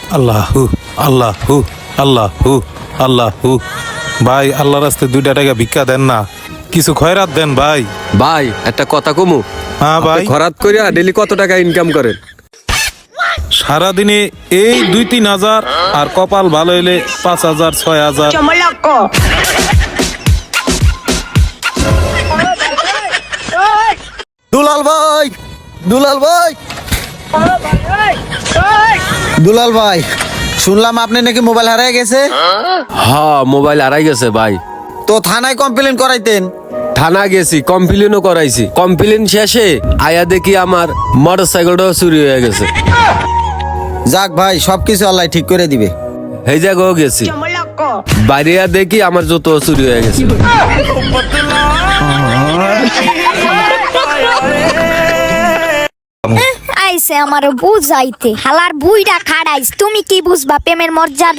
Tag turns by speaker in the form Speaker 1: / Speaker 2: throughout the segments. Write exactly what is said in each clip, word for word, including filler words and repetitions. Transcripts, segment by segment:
Speaker 1: আল্লাহু আল্লাহু আল্লাহু আল্লাহু ভাই আল্লাহর রাস্তায় দুইটা টাকা ভিক্ষা দেন না, কিছু খয়রাত দেন ভাই।
Speaker 2: ভাই একটা কথা কমু,
Speaker 1: হ্যাঁ ভাই।
Speaker 2: খরাত করিয়া ডেলি কত টাকা ইনকাম করেন?
Speaker 1: সারাদিনে এই দুই তিন হাজার, আর কপাল ভালো হইলে পাঁচ হাজার ছয় হাজার।
Speaker 3: দুলাল ভাই, দুলাল ভাই, দুলাল ভাই, শুনলাম আপনি নাকি মোবাইল হারিয়ে গেছে।
Speaker 2: হ্যাঁ, মোবাইল হারাই গেছে ভাই।
Speaker 3: তো থানায় কমপ্লেন করাইতেন।
Speaker 2: থানা গেছি, কমপ্লেনও করাইছি। কমপ্লেন শেষে আয়া দেখি আমার মোটর সাইকেলটাও চুরি হয়ে গেছে।
Speaker 3: যাক ভাই, সবকিছু আল্লাহ ঠিক করে দিবে।
Speaker 2: এই জায়গাও গেছি, বাইরে দেখি আমার জুতো চুরি হয়ে গেছে।
Speaker 4: আইসে আমার বুঝাইতে হালার বুইটা খাড়াইস, তুমি কি বুঝবা প্রেমের মর্যাদা?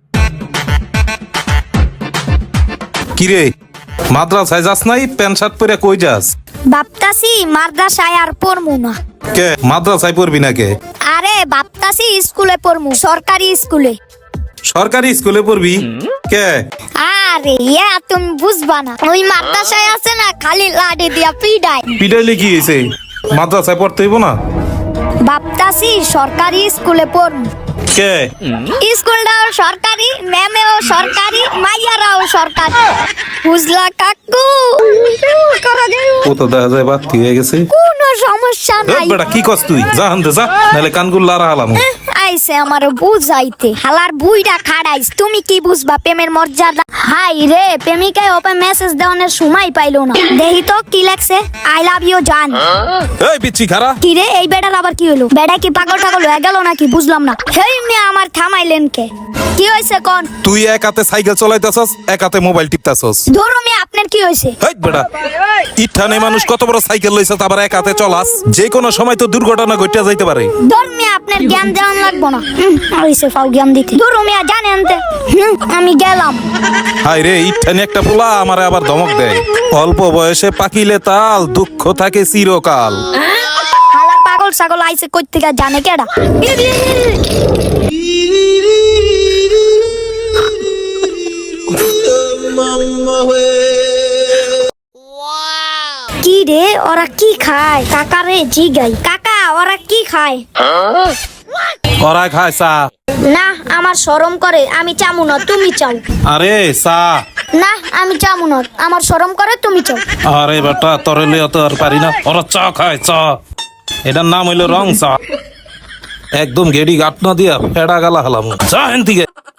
Speaker 1: কিরে মাদ্রাসায় যাস নাই? প্যান্ট শার্ট পরে কই যাস?
Speaker 4: বাপতাসি মাদ্রাসায় আর পড়মু না।
Speaker 1: কে মাদ্রাসায় পড়বি না কে?
Speaker 4: আরে বাপতাসি স্কুলে পড়মু, সরকারি স্কুলে।
Speaker 1: সরকারি স্কুলে পড়বি কে?
Speaker 4: আরে ইয়া তুমি বুঝবা না, ওই মাদ্রাসায় আছে না খালি লাডি দিয়া পিডাই।
Speaker 1: পিটাইলে কি হয়েছে? মাদ্রাসায় পড়তে হইব না?
Speaker 4: বাপতাসি সরকারি স্কুলে পড়মু।
Speaker 1: কে?
Speaker 4: স্কুলটাও সরকারি, ম্যামেও সরকারি, মাইয়ারাও সরকারি। বুঝলা কাকু?
Speaker 1: ও তো দেখা যায় বাতি হয়ে গেছে।
Speaker 4: কোনো সমস্যা
Speaker 1: এই
Speaker 4: নাই।
Speaker 1: বেটা কি কস তুই? যা হানতে যা, নাহলে কানগুল লারা হালাম।
Speaker 4: আইসে আমার বুঝাইতে হালার বুইটা খাড়াইস, তুমি কি বুঝবা প্রেমের মর্যাদা? হাই রে, প্রেমিকায় ওপেন মেসেজ দেওয়ানোর সময় পাইলো না। দেখি তো কি লাগছে। আই লাভ ইউ জান।
Speaker 1: এই পিচ্ছি খারা।
Speaker 4: কি রে, এই বেটার আবার কি হলো? বেটা কি পাগল টাগল হয়ে গেল নাকি? বুঝলাম না। হেই মেয়ে আমার থামাইলেন কে? কি হয়েছে কোন?
Speaker 1: তুই এক হাতে সাইকেল চালাইতাছস, এক হাতে মোবাইল টিপতাছস।
Speaker 4: ধরো মেয়ে আপনার কি হয়েছে?
Speaker 1: হেই বেটা, ইঠানে মানুষ কত বড় সাইকেল লইছে, আবার এক হাতে চলাস? যে কোনো সময় তো দুর্ঘটনা ঘটিয়া যাইতে পারে।
Speaker 4: ধর মেয়ে আপনার জ্ঞান দেওয়ান লাগবো না। হয়েছে ফাও জ্ঞান দিতে। ধরো মেয়ে জানেন তে। হুম, আমি গেলাম।
Speaker 1: হাই রে, ইঠানে একটা পোলা আমারে আবার ধমক দেয়। অল্প বয়সে পাকিলে তাল, দুঃখ থাকে চিরকাল।
Speaker 4: হালা পাগল ছাগল আইছে কই থেকে জানে কেডা? কি রে, ওরা কি খায়? কাকা রে জিগাই, কাকা ওরা কি খায়?
Speaker 1: ওরা খায় চা।
Speaker 4: না, আমার শরম করে, আমি চামু না, তুমি চাও।
Speaker 1: আরে চা।
Speaker 4: না, আমি চামু না, আমার শরম করে, তুমি চাও।
Speaker 1: আরে বেটা, তোরে লিয়ে তো আর পারি না। ওরা চা খায় চা। এটার নাম হইলো রং চা। একদম গেডি গাট না দিয়া ফেড়া গালা হালাম। চা হেন থেকে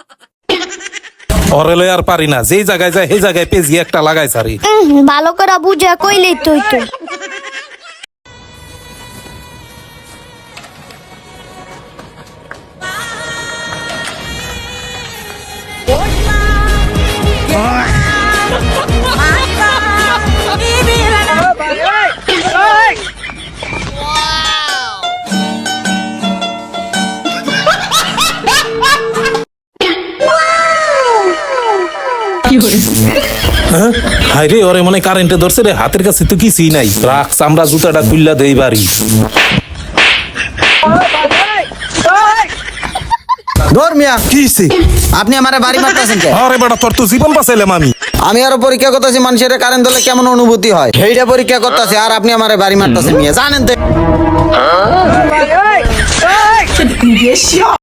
Speaker 1: ওরে লই আর পারি না। যেই জায়গায় যায় সেই জায়গায় পেজি একটা লাগাই সারি।
Speaker 4: উম, ভালো করে বুঝে কইলেই তুই তো।
Speaker 1: হাই রে, ওরে মনে কারেন্টে ধরছে রে। হাতের কাছে তো কিছুই নাই। রাখ চামড়া জুতাটা খুললা দেই বাড়ি।
Speaker 3: ধর মিয়া,
Speaker 1: কি হইছে?
Speaker 3: আপনি আমারে বাড়ি মারতেছেন কে?
Speaker 1: আরে বেটা, তোর তো জীবন বাঁচাইলাম আমি।
Speaker 3: আমি আরো পরীক্ষা করতেছি মানুষের কারেন্ট দিলে কেমন অনুভূতি হয়, সেইটা পরীক্ষা করতেছি। আর আপনি আমারে বাড়ি মারতেছেন মিয়া, জানেন তো।